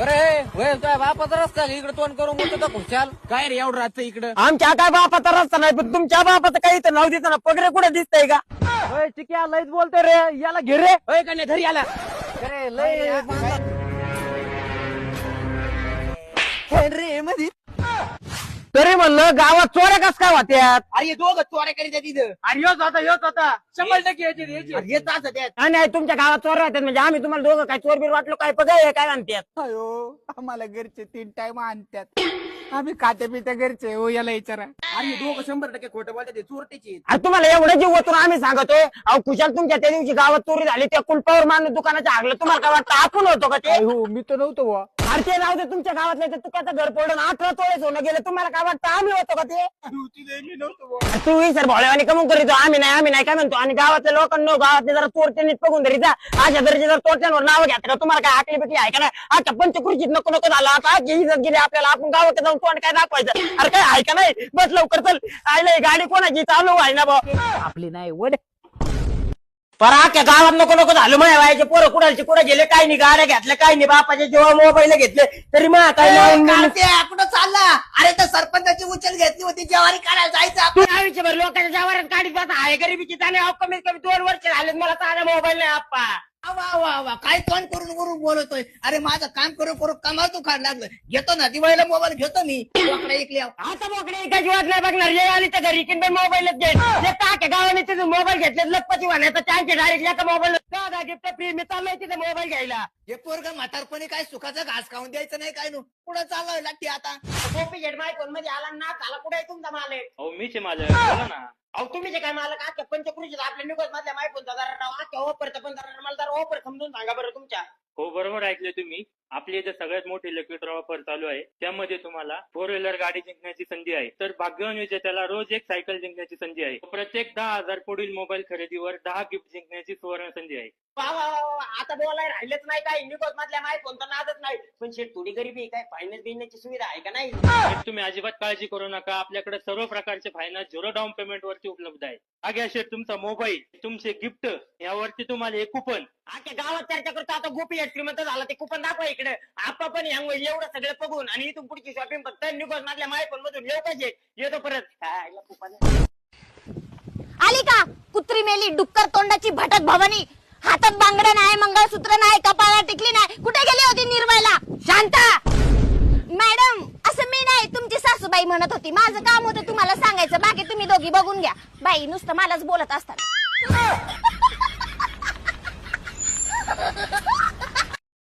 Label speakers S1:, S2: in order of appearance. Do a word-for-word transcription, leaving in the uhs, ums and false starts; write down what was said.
S1: बरे तुझ्या बापाचा रस्ता इकडे तोंड करून बोलतो तर खुशाल काय रे एवढं राहतं इकडं.
S2: आमच्या काय बापाचा रस्ता नाही पण तुमच्या बापाचं काही इथं नाव देतं ना पगडे कुठे दिसतंय का?
S1: होय चिक्या लयच बोलतोय रे याला घे रे. होय का नाही घरी आला अरे लय रे मध्ये
S2: तरी म्हणलं गावात चोऱ्या कस काय होत्यात?
S1: अरे दोघं चोऱ्या करीत आहे तिथं.
S2: अरे योच होता योच होता
S1: शंभर टक्के याची याची येत असं त्यात.
S2: नाही नाही तुमच्या गावात चोऱ्या होत्यात म्हणजे आम्ही तुम्हाला दोघं काय चोर बीर वाटलो काय बघा काय म्हणतात.
S1: अयो आम्हाला घरचे तीन टाइम आणतात आम्ही खाते पित्या घरचे हो याला विचारा. अरे दोघं शंभर टक्के खोटं बोलतात ते चोरटेचे.
S2: अरे तुम्हाला एवढं जीव ओतून आम्ही सांगतोय अहो कुशाल तुमच्या त्या दिवशी गावात चोरी झाली त्या कुलपावर मानून दुकानाच्या आगलं तुम्हाला काय वाटतं आपण होतो का ते?
S1: हो मी तर नव्हतो बुवा.
S2: अरे ते राहू दे तुमच्या गावातले ते तुकाचं घर पडून अठरा तोळे सोनं गेलं तुम्हाला काय वाटतं आम्ही होतो का ते?
S1: मी नव्हतो बुवा.
S2: तू सर भोळ्यावानी कमून करीतो आम्ही नाही आम्ही नाही काय म्हणतो आणि गावातल्या लोकांना गावातले जरा चोरटे नीट बघून तरी जा अशा दर्जे जर चोरट्यांवर नाव घ्या का तुम्हाला काय आकली बिकली आहे का नाही? आता पंचकृषीत नको नको झालं आता आजची इज्जत गेली आपल्याला आपण गावात जाऊन तोंड काय दाखवायचं? अरे काय आहे का नाही? बस लवकर चल आयला गाडी कोणाची चालू आहे ना भाऊ
S1: आपली नाही वड
S2: पर अख्या गावात नको नको झालं माझ्या वयाचे पोरं कुणाचे कुठे गेले काय नाही गाड्या घेतल्या काय नाही बापाचे जेव्हा मोबाईल घेतले तरी मग काय
S1: कुठं चालला? अरे तर सरपंचाची उचल घेतली होती ज्वारी काढायला जायचं
S2: तू आयुष्यभर लोकांच्या जवारात काढीत बसा आहे गरिबीची त्याने कमीत कमी दोन वर्ष झाले मला साधा मोबाईल नाही आप्पा.
S1: वा वा वा काय तोंड करून करून बोलतोय. अरे माझं काम करू करू कमाल तू खाड लागलं. घेतो ना दिवाळीला मोबाईल घेतो मी बोकडा ऐकले.
S2: आता मोकळे एका जीवात नाही बघणार ये आली तर घरी की मोबाईलच घेईन टाक्या गावाने तिथे मोबाईल घेतले लखपती वाहण्याचा चान्स डायरेक्ट एका मोबाईल गिफ्ट फ्री मी चाललोय तिथे मोबाईल घ्यायला.
S1: हे पोरग म्हातारपणी काय सुखाचा घास खाऊन द्यायचं नाही काय नु पुढे चाललोय लागते आता.
S2: कॉपी घेट माय फोन मध्ये आला ना आला कुठे आहे तुमचा मालक?
S3: अहो मीच आहे माझं बोला ना.
S2: अहो तुम्ही जे काय मालक आजच्या पंचकृषीत आपल्या निघत मधल्या माय फोनचा जरा नाव आजच्या ऑफरचा पण जरा मला जरा ऑफर समजून सांगा बरं तुमच्या.
S3: हो बरोबर ऐकले तुम्ही. आपली इथे सगळ्यात मोठी इलेक्ट्रिक ऑफर चालू आहे. त्यामध्ये तुम्हाला फोर व्हीलर गाडी जिंकण्याची संधी आहे. तर भाग्यवान विजेत्याला रोज एक सायकल जिंकण्याची संधी आहे. प्रत्येक दहा हजार पुढील मोबाईल खरेदीवर दहा गिफ्ट जिंकण्याची सुवर्ण संधी आहे.
S2: वा वा वा वा. आता बोलाय राहिलेच नाही काय निघत मधल्या माय फोनचा नादच नाही पण शेट थोडी गरीबी काय फायनान्स बिनण्याची सुविधा आहे का नाही?
S3: तर तुम्ही अजिबात काळजी करू नका. आपल्याकडे सर्व प्रकारचे फायनान्स झिरो डाऊन पेमेंट वरती उपलब्ध आहे. आगे शेट तुमचा मोबाईल तुमचे गिफ्ट यावरती तुम्हाला एक कुपन.
S2: आख्या गावात चर्चा करतो आता गोपी श्रीमंत झाला ते कुपन दाखवा इकडे. आपण पण यामुळे एवढं सगळं बघून आणि इथून पुढची शॉपिंग फक्त निघत मधल्या माय फोन मधून येऊ पाहिजे. येतो परत कुपन
S4: आली का कुत्री मेली डुक्कर तोंडाची भटक भवानी. हातात बांगड्या नाही मंगळसूत्र नाही कपाळाला टिकली नाही कुठे गेली होती निर्मला? शांता मॅडम असं मी नाही तुमची सासूबाई म्हणत होती. माझं काम होतं तुम्हाला सांगायचं बाकी तुम्ही दोघी बघून घ्या. बाई नुसतं मलाच बोलत असतात.